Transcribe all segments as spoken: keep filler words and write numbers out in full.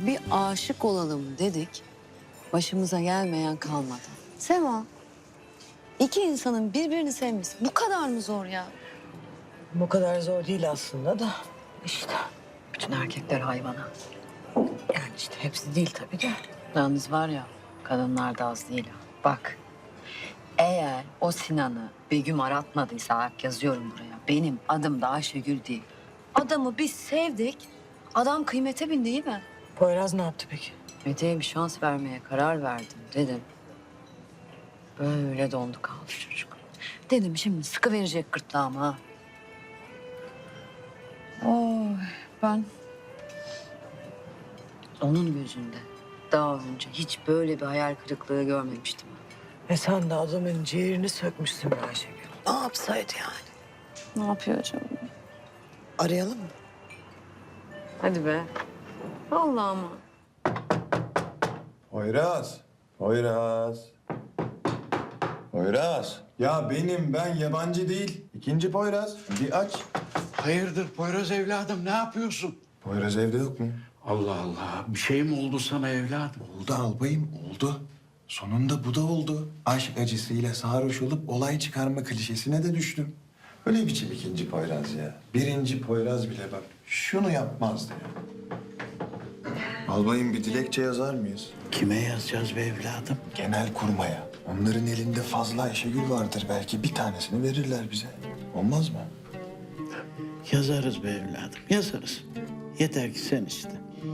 bir aşık olalım dedik. Başımıza gelmeyen kalmadı. Sema, iki insanın birbirini sevmesi bu kadar mı zor ya? Bu kadar zor değil aslında da işte. Bütün erkekler hayvana. Yani işte hepsi değil tabii de. Yalnız var ya, kadınlar da az değil ha. Bak, eğer o Sinan'ı Begüm aratmadıysa, bak yazıyorum buraya. Benim adım da Ayşegül değil. Adamı biz sevdik, adam kıymete bindi değil mi? Poyraz ne yaptı peki? Mete'ye bir şans vermeye karar verdim dedim. Böyle dondu kaldı çocuk. Dedim şimdi sıkı verecek gırtlağıma ha. Oy, ben onun gözünde daha önce hiç böyle bir hayal kırıklığı görmemiştim. E sen de adamın ciğerini sökmüşsün be Ayşegül. Ne yapsaydı yani? Ne yapıyor acaba? Arayalım mı? Hadi be. Vallahi mı? Poyraz. Poyraz. Poyraz. Ya benim, ben yabancı değil. İkinci Poyraz. Bir aç. Hayırdır Poyraz evladım, ne yapıyorsun? Poyraz evde yok mu? Allah Allah, bir şey mi oldu sana evladım? Oldu albayım, oldu. Sonunda bu da oldu. Aşk acısıyla sarhoş olup olay çıkarma klişesine de düştüm. Öyle biçim ikinci Poyraz ya. Birinci Poyraz bile bak şunu yapmazdı ya. Albayım bir dilekçe yazar mıyız? Kime yazacağız be evladım? Genel kurmaya. Onların elinde fazla Ayşegül vardır. Belki bir tanesini verirler bize. Olmaz mı? Yazarız be evladım, yazarız. Yeter ki sen iste.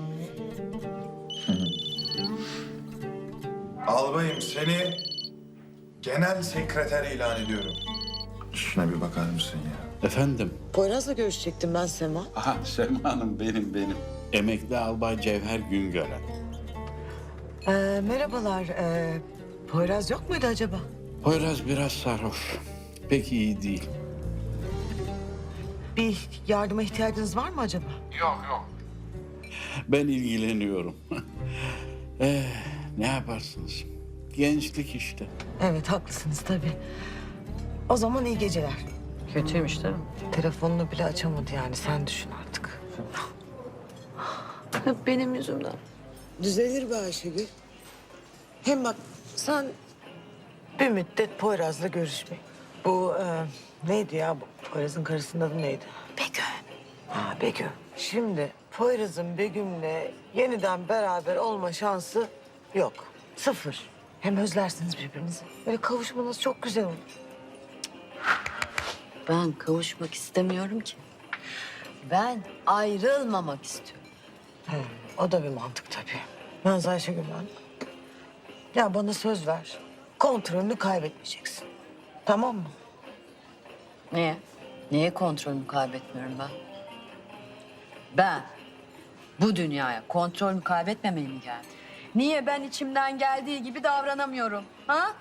Albayım seni genel sekreter ilan ediyorum. Şuna bir bakar mısın ya? Efendim? Poyraz'la görüşecektim ben Sema. Aha Sema Hanım benim benim. Emekli Albay Cevher Güngören. Ee, merhabalar. Ee, Poyraz yok muydu acaba? Poyraz biraz sarhoş. Pek iyi değil. Bir yardıma ihtiyacınız var mı acaba? Ben ilgileniyorum. eh, ne yaparsınız? Gençlik işte. Evet haklısınız tabii. O zaman iyi geceler. Kötüymüş değil mi? Telefonunu bile açamadı yani sen düşün artık. Hep benim yüzümden. Düzelir be Ayşegül. Hem bak sen bir müddet Poyraz'la görüşme. Bu e, neydi ya? Bu Poyraz'ın karısının adı neydi? Begüm. Ha Begüm. Şimdi Poyraz'ın Begüm'le yeniden beraber olma şansı yok. Sıfır. Hem özlersiniz birbirinizi. Böyle kavuşmanız çok güzel olur. Ben kavuşmak istemiyorum ki. Ben ayrılmamak istiyorum. He, o da bir mantık tabii. Yalnız Ayşegül ben... Ya bana söz ver. Kontrolünü kaybetmeyeceksin. Tamam mı? Niye? Niye kontrolümü kaybetmiyorum ben? Ben bu dünyaya kontrolümü kaybetmemeye mi geldim? Niye ben içimden geldiği gibi davranamıyorum? Ha?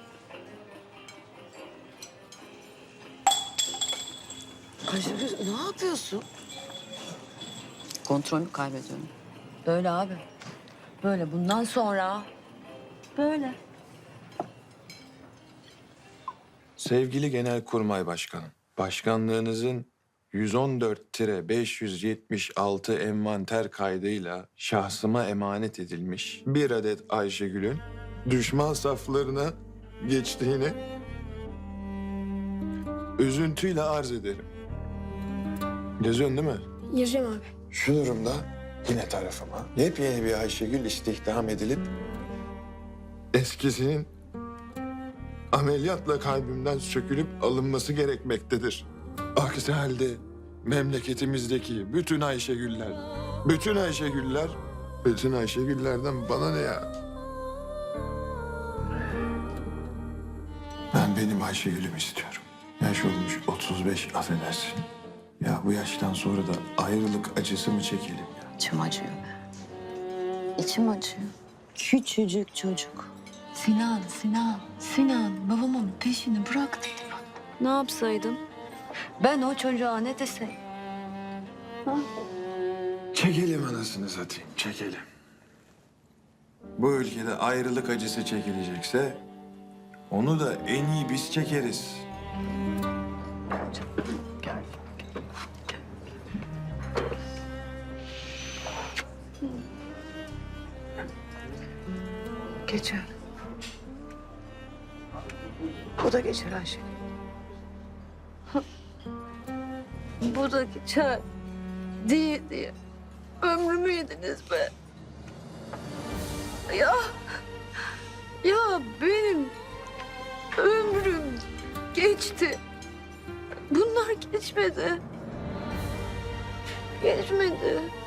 Ayşegül ne yapıyorsun? Kontrolümü kaybediyorum. Böyle abi. Böyle bundan sonra böyle. Sevgili Genelkurmay Başkanım, başkanlığınızın yüz on dört beş yüz yetmiş altı envanter kaydıyla şahsıma emanet edilmiş bir adet Ayşegül'ün düşman saflarına geçtiğini üzüntüyle arz ederim. Yazıyorsun değil mi? Yazıyorum abi. Şu durumda yine tarafıma yepyeni bir Ayşegül istihdam edilip eskisinin ameliyatla kalbimden sökülüp alınması gerekmektedir. Aksi halde memleketimizdeki bütün Ayşegüller, bütün Ayşegüller, bütün Ayşegüllerden bana ne ya? Ben benim Ayşegül'ümü istiyorum. Yaş olmuş otuz beş affedersin. Ya bu yaştan sonra da ayrılık acısı mı çekelim ya? İçim acıyor be. İçim acıyor. Küçücük çocuk. Sinan, Sinan, Sinan babamın peşini bırak dedi bana. Ne yapsaydım? Ben o çocuğa ne deseydim? Ha? Çekelim anasını satayım, çekelim. Bu ülkede ayrılık acısı çekilecekse onu da en iyi biz çekeriz. Gel. Geçer. Bu da geçer Ayşegül. Bu da geçer diye diye ömrümü yediniz be. Ya, ya benim ömrüm geçti. Bunlar geçmedi. Geçmedi.